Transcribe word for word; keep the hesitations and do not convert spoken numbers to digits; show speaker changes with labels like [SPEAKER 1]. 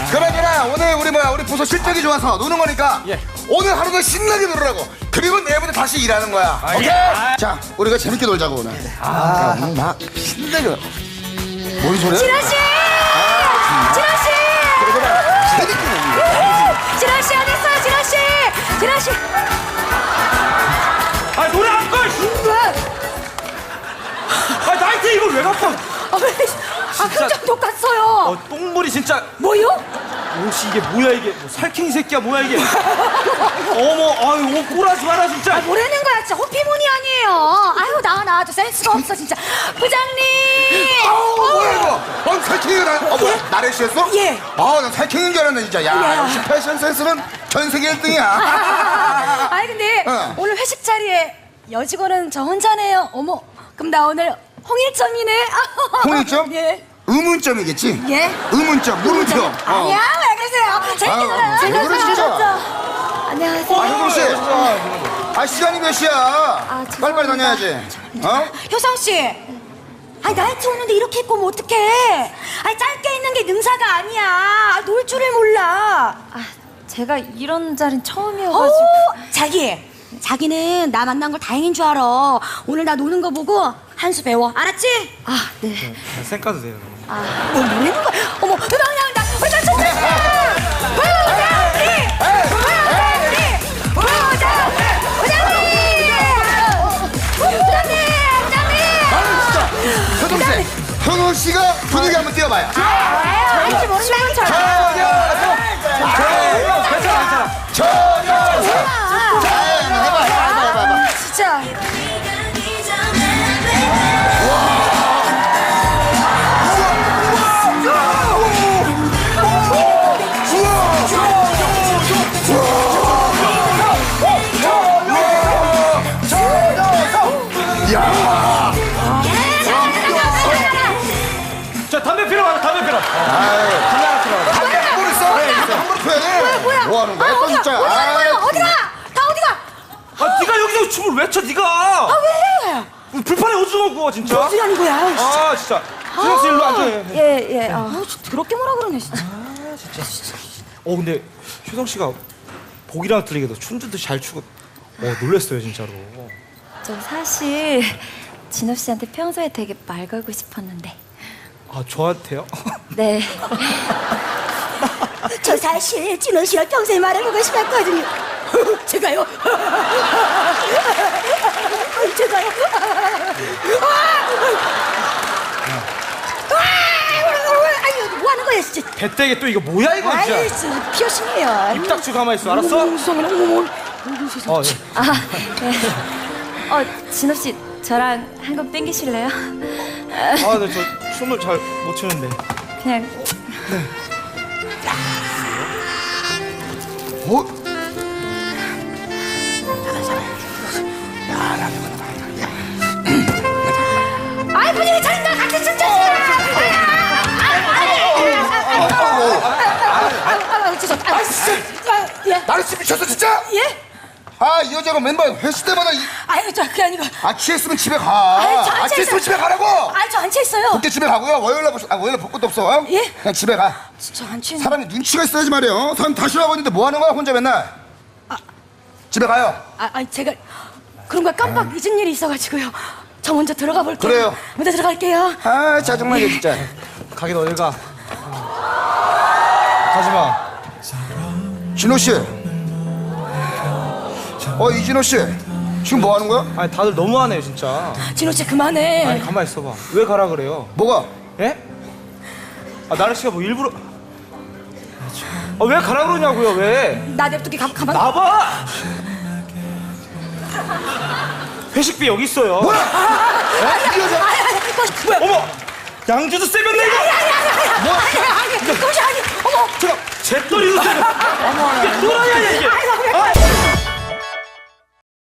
[SPEAKER 1] 그러잖아 오늘 우리 뭐야 우리 부서 실적이 좋아서 노는 거니까
[SPEAKER 2] 예.
[SPEAKER 1] 오늘 하루도 신나게 놀으라고. 그리고 내일부터 다시 일하는 거야.
[SPEAKER 2] 아,
[SPEAKER 1] 오케이?
[SPEAKER 2] 예. 아.
[SPEAKER 1] 자 우리가 재밌게 놀자고 오늘. 아, 오늘 막 신나게. 뭔 소리야?
[SPEAKER 3] 진아 씨! 진아 씨!
[SPEAKER 1] 재밌게 노는 거야.
[SPEAKER 3] 진아 씨 어디 있어요, 진아 씨? 진아 씨.
[SPEAKER 2] 아 노래 안 꺼!
[SPEAKER 3] 왜?
[SPEAKER 2] 아 나한테 이걸 왜 갖고?
[SPEAKER 3] 아 왜? 아 표정 똑같어요.
[SPEAKER 2] 어 똥물이 진짜.
[SPEAKER 3] 뭐요?
[SPEAKER 2] 혹시 이게 뭐야 이게? 뭐 살쾡이 새끼야 뭐야 이게? 어머 아유 옷 꼬라지 마라 진짜.
[SPEAKER 3] 아 뭐라는 거야, 진짜 호피무늬 아니에요. 아유 나와 나와도 센스가 없어 진짜. 부장님.
[SPEAKER 1] 아우 뭐야 이거? 넌 살쾡이가 나. 어 뭐야? 나래 씨였어?
[SPEAKER 3] 예.
[SPEAKER 1] 아난 살쾡인 줄 알았네 진짜. 야
[SPEAKER 3] 야.
[SPEAKER 1] 역시 패션 센스는 전 세계 일 등이야.
[SPEAKER 3] 아니 근데
[SPEAKER 1] 어.
[SPEAKER 3] 오늘 회식 자리에 여직원은 저 혼자네요. 어머, 그럼 나 오늘 홍일점이네.
[SPEAKER 1] 홍일점?
[SPEAKER 3] 예.
[SPEAKER 1] 의문점이겠지?
[SPEAKER 3] 예.
[SPEAKER 1] 의문점, 물음표. 어.
[SPEAKER 3] 아니야, 왜 그러세요? 재밌게
[SPEAKER 1] 아유,
[SPEAKER 3] 놀아요.
[SPEAKER 1] 왜 그래, 진짜?
[SPEAKER 3] 안녕하세요.
[SPEAKER 1] 아, 효성 씨. 아, 시간이 몇 시야?
[SPEAKER 3] 아, 죄송합니다.
[SPEAKER 1] 빨리빨리 다녀야지. 어?
[SPEAKER 3] 효성 씨. 아니 나이트 오는데 이렇게 입고 오면 어떡해? 아니 짧게 입는 게 능사가 아니야. 아, 놀 줄을 몰라.
[SPEAKER 4] 아, 제가 이런 자리는
[SPEAKER 3] 오,
[SPEAKER 4] 처음이어가지고.
[SPEAKER 3] 자기. 자기는 나 만난 걸 다행인 줄 알아. 오늘 나 노는 거 보고 한 수 배워. 알았지?
[SPEAKER 4] 아, 네.
[SPEAKER 2] 쌩 까도 돼요.
[SPEAKER 3] 뭐 뭐라는 거야? 어머, 음악 나온다. 우리 저 친구. 부장님! 부장님! 부장님! 부장님! 부장님!
[SPEAKER 1] 아, 진짜. 효동 씨. 효동 씨가 분위기 한번 띄워봐요.
[SPEAKER 3] 아, 알지 모른다는 척.
[SPEAKER 2] 괜찮아 괜찮아.
[SPEAKER 1] 자, 해봐, 해봐, 해봐, 해봐.
[SPEAKER 3] 진짜.
[SPEAKER 2] 자 담배 피러 가자 담배 피러. 담배 하나 피러 가자.
[SPEAKER 1] 뭘 있어? 한번 표현해.
[SPEAKER 3] 뭐야?
[SPEAKER 1] 뭐 하는 거야?
[SPEAKER 3] 아,
[SPEAKER 1] 또
[SPEAKER 3] 어디가?
[SPEAKER 1] 진짜.
[SPEAKER 3] 어디 가는 거야?
[SPEAKER 1] 아이,
[SPEAKER 3] 어디가? 다 어디가?
[SPEAKER 2] 아 네가 여기서 춤을 왜 춰 네가?
[SPEAKER 3] 아 왜?
[SPEAKER 2] 불판에 오징어 구워 진짜.
[SPEAKER 3] 어디 가는 거야?
[SPEAKER 2] 아 진짜. 수영 씨 일로 앉아.
[SPEAKER 4] 예, 예. 어.
[SPEAKER 3] 아, 더럽게 뭐라 그러네 진짜.
[SPEAKER 2] 어 근데 효성 씨가 보기랑 틀리게도 춤도 잘 추고. 어 놀랬어요 진짜로.
[SPEAKER 4] 저 사실 진호 씨한테 평소에 되게 말 걸고 싶었는데.
[SPEAKER 2] 아 저한테요?
[SPEAKER 4] 네.
[SPEAKER 3] 저 사실 진원 씨랑 평소에 말해보고 싶었거든요. 제가요? 제가요? 아유, 뭐 하는 거야, 진짜.
[SPEAKER 2] 배때게 또 이거 뭐야 이거
[SPEAKER 3] 아이,
[SPEAKER 2] 진짜.
[SPEAKER 3] 진짜 피어싱이에요.
[SPEAKER 2] 입 닥치고 가만히 있어 알았어?
[SPEAKER 3] 어머, 세상에, 어머, 어머.
[SPEAKER 2] 어, 예.
[SPEAKER 4] 아, 네. 어, 진호 씨, 저랑 한 곡 땡기실래요?
[SPEAKER 2] 아, 근데 저 춤을 잘 못 추는데.
[SPEAKER 4] 그냥
[SPEAKER 1] 뭐?
[SPEAKER 3] 아이, 분위기 차린다. 같이 춤춰. 아, 진짜. 예?
[SPEAKER 1] 나를 씨 미쳤어 진짜?
[SPEAKER 3] 예?
[SPEAKER 1] 아, 이 여자가 맨날 회식 때마다 이...
[SPEAKER 3] 아유, 저 그게 아니고.
[SPEAKER 1] 아, 취했으면 집에 가.
[SPEAKER 3] 아유, 저
[SPEAKER 1] 아,
[SPEAKER 3] 앉아
[SPEAKER 1] 취했으면
[SPEAKER 3] 있어요.
[SPEAKER 1] 집에 가라고.
[SPEAKER 3] 아, 저 앉혀 있어요.
[SPEAKER 1] 그때 집에 가고요. 월요일날 볼, 수- 아, 월요일날 볼 것도 없어. 어?
[SPEAKER 3] 예?
[SPEAKER 1] 그냥 집에 가.
[SPEAKER 3] 저 앉혀 있는.
[SPEAKER 1] 사람이 눈치가 있어야지 말이에요. 사람 다시 와고 있는데 뭐 하는 거야 혼자 맨날. 집에 가요.
[SPEAKER 3] 아, 아니 제가 그런 거 깜빡 잊은 일이 있어가지고요. 저 먼저 들어가 볼게요.
[SPEAKER 1] 그래요.
[SPEAKER 3] 먼저 들어갈게요.
[SPEAKER 1] 아, 짜증나게 진짜.
[SPEAKER 2] 가긴 어딜 가. 가지 마.
[SPEAKER 1] 진호 씨. 어, 이진호 씨. 지금 뭐 하는 거야?
[SPEAKER 2] 아니 다들 너무하네요 진짜.
[SPEAKER 3] 진호 씨 그만해.
[SPEAKER 2] 아니 가만히 있어봐. 왜 가라 그래요?
[SPEAKER 1] 뭐가?
[SPEAKER 2] 예? 아 나래 씨가 뭐 일부러. 아 왜 가라 그러냐고요 왜?
[SPEAKER 3] 나 냅두기 가, 가만.
[SPEAKER 2] 나봐. 회식비 여기 있어요.
[SPEAKER 1] 뭐야?
[SPEAKER 3] 아니,
[SPEAKER 1] 이 여자.
[SPEAKER 3] 아니, 아니, 아니, 뭐야?
[SPEAKER 2] 어머 양주도 세면네 이거.
[SPEAKER 3] 아니, 아니, 아니,
[SPEAKER 1] 뭐?
[SPEAKER 3] 아니, 아니, 그것이 아니, 어머.
[SPEAKER 2] 제가 잿더리도 세면. 이게 또라이야 이게.
[SPEAKER 3] 아이고, 그래.
[SPEAKER 2] 아!